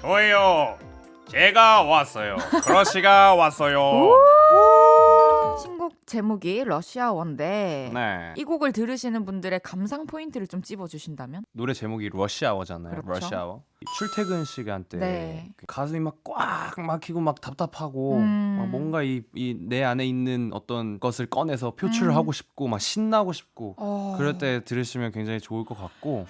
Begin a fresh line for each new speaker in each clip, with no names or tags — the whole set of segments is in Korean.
저예요. 제가 왔어요. 크러쉬가 왔어요.
신곡 제목이 러시아워인데
네.
이 곡을 들으시는 분들의 감상 포인트를 좀 찝어주신다면?
노래 제목이 러시아워잖아요.
그렇죠.
러시아워. 출퇴근 시간 때
네.
가슴이 막 꽉 막히고 막 답답하고
음.
막 뭔가 이 내 안에 있는 어떤 것을 꺼내서 표출을 하고 싶고 막 신나고 싶고 그럴 때 들으시면 굉장히 좋을 것 같고,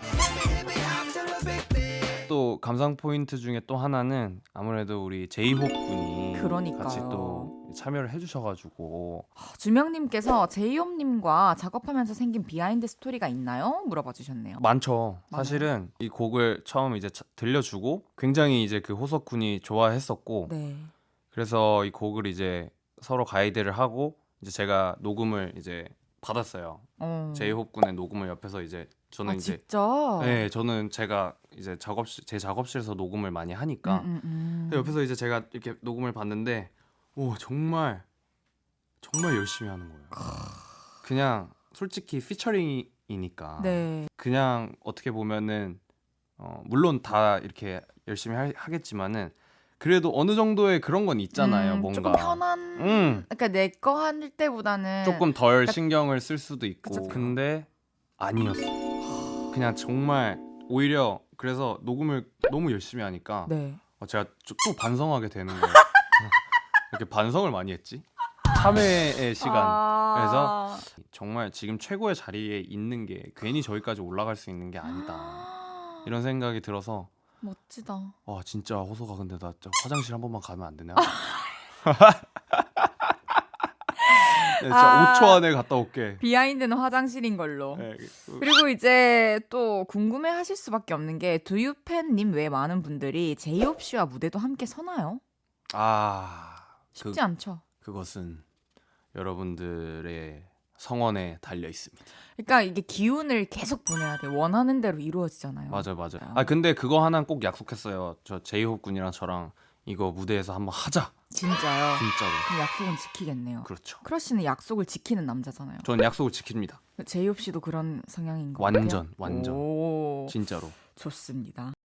또 감상 포인트 중에 또 하나는 아무래도 우리 제이홉 군이
그러니까요.
같이 또 참여를 해주셔가지고.
주명님께서 제이홉님과 작업하면서 생긴 비하인드 스토리가 있나요? 물어봐 주셨네요.
많죠.
많아요?
사실은 이 곡을 처음 이제 들려주고 굉장히 이제 그 호석 군이 좋아했었고,
네.
그래서 이 곡을 이제 서로 가이드를 하고 이제 제가 녹음을 이제 받았어요. 제이홉 군의 녹음을 옆에서 이제 저는 이제
진짜?
네, 저는 제가 이제 제 작업실에서 녹음을 많이 하니까 근데 옆에서 이제 제가 이렇게 녹음을 봤는데 오 정말 열심히 하는 거예요. 그냥 솔직히 피처링이니까
네.
그냥 어떻게 보면은 물론 다 이렇게 열심히 하겠지만은 그래도 어느 정도의 그런 건 있잖아요. 뭔가
조금 편한 그러니까 내 거 할 때보다는
조금 덜 신경을 쓸 수도 있고.
그쵸.
근데 아니었어. 그냥 정말 오히려 그래서 녹음을 너무 열심히 하니까
네.
제가 또 반성하게 되는 거예요. 이렇게 반성을 많이 했지? 참회의 시간. 그래서 정말 지금 최고의 자리에 있는 게 괜히 저기까지 올라갈 수 있는 게 아니다. 이런 생각이 들어서
멋지다.
진짜 호소가 근데 나 진짜 화장실 한 번만 가면 안 되냐? 네, 진짜 5초 안에 갔다 올게.
비하인드는 화장실인 걸로.
네,
그리고 이제 또 궁금해하실 수밖에 없는 게 두유팬님 외 많은 분들이 제이홉 씨와 무대도 함께 서나요? 쉽지 않죠.
그것은 여러분들의 성원에 달려 있습니다.
그러니까 이게 기운을 계속 보내야 돼. 원하는 대로 이루어지잖아요.
맞아. 근데 그거 하나는 꼭 약속했어요. 저 제이홉 군이랑 저랑 이거 무대에서 한번 하자.
진짜요?
진짜로.
그럼 약속은 지키겠네요.
그렇죠.
크러쉬는 약속을 지키는 남자잖아요.
전 약속을 지킵니다.
제이홉 씨도 그런 성향인 것 같아요.
완전.
오,
진짜로.
좋습니다.